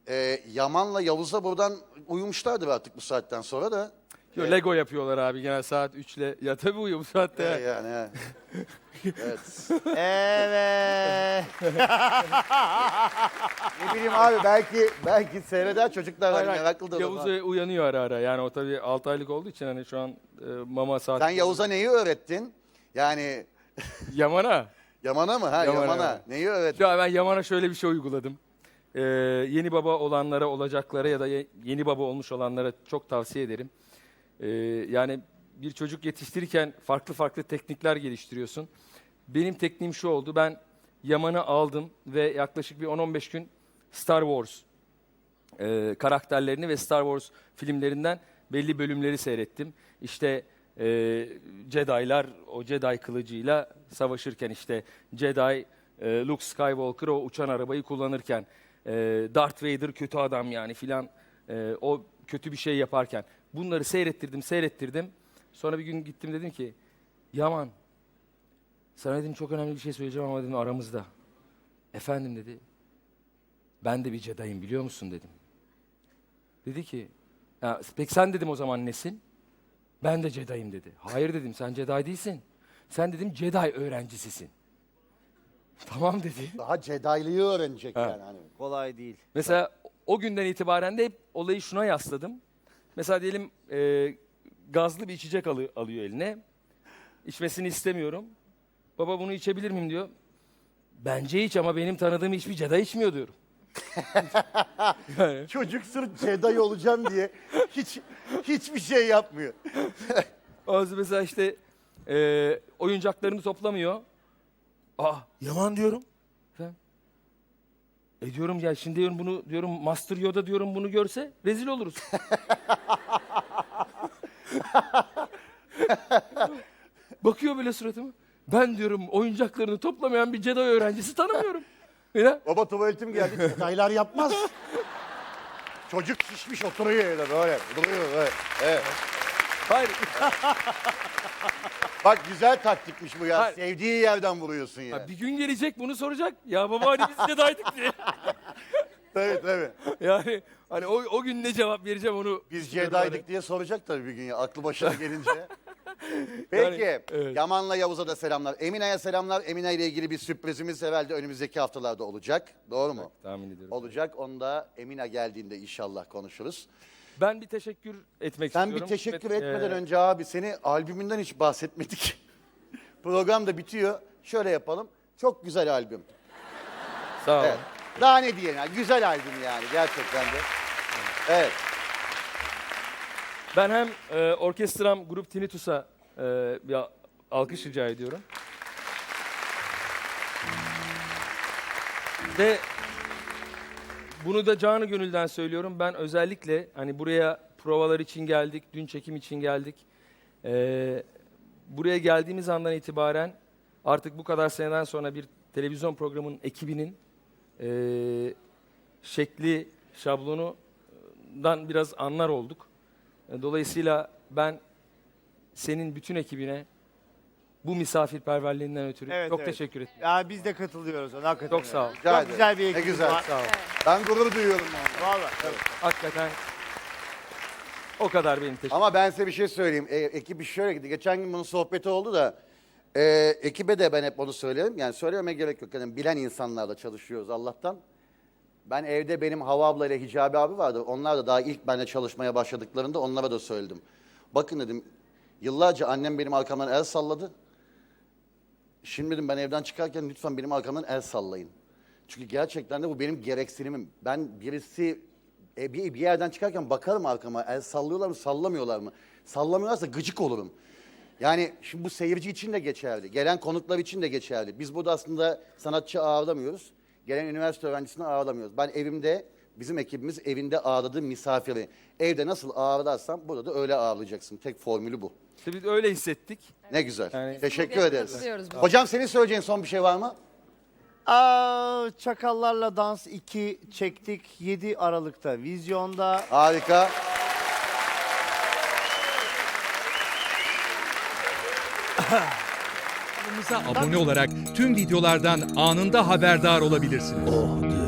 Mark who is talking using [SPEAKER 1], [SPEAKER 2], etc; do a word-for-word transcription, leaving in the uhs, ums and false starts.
[SPEAKER 1] e, Yaman'la Yavuz'a buradan uyumuşlardır artık bu saatten sonra da.
[SPEAKER 2] Yo, Lego yapıyorlar abi genel saat üçle. Ya tabii uyuyor bu saatte.
[SPEAKER 1] E, yani. he. Evet.
[SPEAKER 3] Evet.
[SPEAKER 1] Ne bileyim abi belki belki seyreder çocuklar
[SPEAKER 2] Hayır,
[SPEAKER 1] hani
[SPEAKER 2] hayır.
[SPEAKER 1] meraklı da
[SPEAKER 2] Yavuz
[SPEAKER 1] olur.
[SPEAKER 2] uyanıyor ara ara. Yani o tabii altı aylık olduğu için hani şu an e, mama saati.
[SPEAKER 1] Sen Yavuz'a neyi öğrettin? Yani
[SPEAKER 2] Yaman'a.
[SPEAKER 1] Yaman'a mı? Ha
[SPEAKER 2] Yaman'a,
[SPEAKER 1] Yaman'a.
[SPEAKER 2] evet.
[SPEAKER 1] Neyi öğrettin?
[SPEAKER 2] Ya ben Yaman'a şöyle bir şey uyguladım. Ee, yeni baba olanlara, olacaklara ya da ye- yeni baba olmuş olanlara çok tavsiye ederim. Ee, yani bir çocuk yetiştirirken farklı farklı teknikler geliştiriyorsun. Benim tekniğim şu oldu. Ben Yaman'ı aldım ve yaklaşık bir on on beş gün Star Wars e, karakterlerini ve Star Wars filmlerinden belli bölümleri seyrettim. İşte e, Jedi'lar o Jedi kılıcıyla savaşırken, işte Jedi e, Luke Skywalker o uçan arabayı kullanırken, e, Darth Vader kötü adam yani filan, e, o kötü bir şey yaparken bunları seyrettirdim seyrettirdim. Sonra bir gün gittim, dedim ki Yaman, sana dedim çok önemli bir şey söyleyeceğim ama dedim aramızda. Efendim dedi. Ben de bir Jedi'yim biliyor musun dedim. Dedi ki, ya, peki sen dedim o zaman nesin? Ben de Jedi'yim dedi. Hayır dedim, sen Jedi değilsin. Sen dedim Jedi öğrencisisin. Tamam dedi.
[SPEAKER 1] Daha Jedi'liği öğrenecek
[SPEAKER 2] Ha.
[SPEAKER 1] yani. Hani.
[SPEAKER 3] Kolay değil.
[SPEAKER 2] Mesela o günden itibaren de hep olayı şuna yasladım. Mesela diyelim e, gazlı bir içecek alı- alıyor eline. İçmesini istemiyorum. Baba bunu içebilir miyim diyor. Bence iç ama benim tanıdığım hiçbir Jedi içmiyor diyorum. Yani.
[SPEAKER 1] Çocuk sırf Jedi olacağım diye hiç hiçbir şey yapmıyor.
[SPEAKER 2] Bazı mesela işte e, oyuncaklarını toplamıyor. Aa, Yaman diyorum. Efendim? E diyorum ya şimdi diyorum bunu diyorum Master Yoda diyorum bunu görse rezil oluruz. Bakıyor böyle suratıma. Ben diyorum oyuncaklarını toplamayan bir Jedi öğrencisi tanımıyorum. Ya.
[SPEAKER 1] Baba tuvaletim geldi. Jedi'lar yapmaz. Çocuk şişmiş oturuyor öyle böyle. Duruyor böyle. Evet.
[SPEAKER 2] Hayır.
[SPEAKER 1] Bak güzel taktikmiş bu ya.
[SPEAKER 2] Hayır.
[SPEAKER 1] Sevdiği yerden vuruyorsun ya.
[SPEAKER 2] Ha, bir gün gelecek bunu soracak. Ya baba hani biz Jedi'ydik diye.
[SPEAKER 1] Tabii tabii.
[SPEAKER 2] Yani hani o, o gün ne cevap vereceğim onu.
[SPEAKER 1] Biz
[SPEAKER 2] düşünüyorum hani.
[SPEAKER 1] Jedi'ydik diye soracak tabii bir gün ya. Aklı başına gelince. Peki.
[SPEAKER 2] Yani, evet.
[SPEAKER 1] Yaman'la Yavuz'a da selamlar. Emine'ye selamlar. Emine ile ilgili bir sürprizimiz herhalde önümüzdeki haftalarda olacak. Doğru mu?
[SPEAKER 2] Tahmin ediyorum.
[SPEAKER 1] Olacak. Onu da Emine geldiğinde inşallah konuşuruz.
[SPEAKER 2] Ben bir teşekkür etmek
[SPEAKER 1] Sen
[SPEAKER 2] istiyorum.
[SPEAKER 1] bir teşekkür
[SPEAKER 2] Evet,
[SPEAKER 1] etmeden
[SPEAKER 2] e,
[SPEAKER 1] önce abi seni albümünden hiç bahsetmedik. Program da bitiyor. Şöyle yapalım. Çok güzel albüm.
[SPEAKER 2] Sağ ol.
[SPEAKER 1] Evet. Daha ne diyelim yani. Güzel albüm yani gerçekten de. Evet.
[SPEAKER 2] Ben hem e, orkestram Grup Tinnitus'a e, bir alkış rica ediyorum. Ve bunu da canı gönülden söylüyorum. Ben özellikle hani buraya provalar için geldik, dün çekim için geldik. E, buraya geldiğimiz andan itibaren artık bu kadar seneden sonra bir televizyon programının ekibinin e, şekli, şablonundan biraz anlar olduk. Dolayısıyla ben senin bütün ekibine bu misafirperverliğinden ötürü
[SPEAKER 3] Evet,
[SPEAKER 2] çok
[SPEAKER 3] evet.
[SPEAKER 2] teşekkür ederim.
[SPEAKER 3] Ya biz de katılıyoruz ona hakikaten.
[SPEAKER 2] Çok sağ ol.
[SPEAKER 1] Rica
[SPEAKER 3] Çok
[SPEAKER 1] ederim.
[SPEAKER 3] güzel bir
[SPEAKER 1] Ne
[SPEAKER 3] ekibimiz
[SPEAKER 1] güzel.
[SPEAKER 3] var.
[SPEAKER 2] Sağ ol.
[SPEAKER 1] Ben gurur duyuyorum.
[SPEAKER 3] Vallahi.
[SPEAKER 2] Hakikaten o kadar benim teşekkür.
[SPEAKER 1] Ama ben size bir şey söyleyeyim. E, ekibi şöyle gitti. Geçen gün bunun sohbeti oldu da e, ekibe de ben hep onu söylerim. Yani söylememe gerek yok. Yani bilen insanlarla çalışıyoruz Allah'tan. Ben evde benim Hava abla ile Hicabi abi vardı. Onlar da daha ilk benimle çalışmaya başladıklarında onlara da söyledim. Bakın dedim yıllarca annem benim arkamdan el salladı. Şimdi dedim ben evden çıkarken lütfen benim arkamdan el sallayın. Çünkü gerçekten de bu benim gereksinimim. Ben birisi e, bir, bir yerden çıkarken bakarım arkama el sallıyorlar mı sallamıyorlar mı? Sallamıyorlarsa gıcık olurum. Yani şimdi bu seyirci için de geçerli. Gelen konuklar için de geçerli. Biz burada aslında sanatçı ağırlamıyoruz. Gelen üniversite öğrencisini ağırlamıyoruz. Ben evimde, bizim ekibimiz evinde ağırladığı misafiri. Evde nasıl ağırlarsam burada da öyle ağırlayacaksın. Tek formülü bu.
[SPEAKER 2] İşte biz öyle hissettik.
[SPEAKER 1] Ne güzel.
[SPEAKER 2] Yani-
[SPEAKER 1] Teşekkür
[SPEAKER 4] Bugün
[SPEAKER 1] ederiz.
[SPEAKER 4] katılıyoruz bu.
[SPEAKER 1] Hocam senin söyleyeceğin son bir şey var mı?
[SPEAKER 3] Aa, Çakallarla Dans iki çektik. yedi Aralık'ta vizyonda.
[SPEAKER 1] Harika.
[SPEAKER 5] Kanalımıza abone olarak tüm videolardan anında haberdar olabilirsiniz.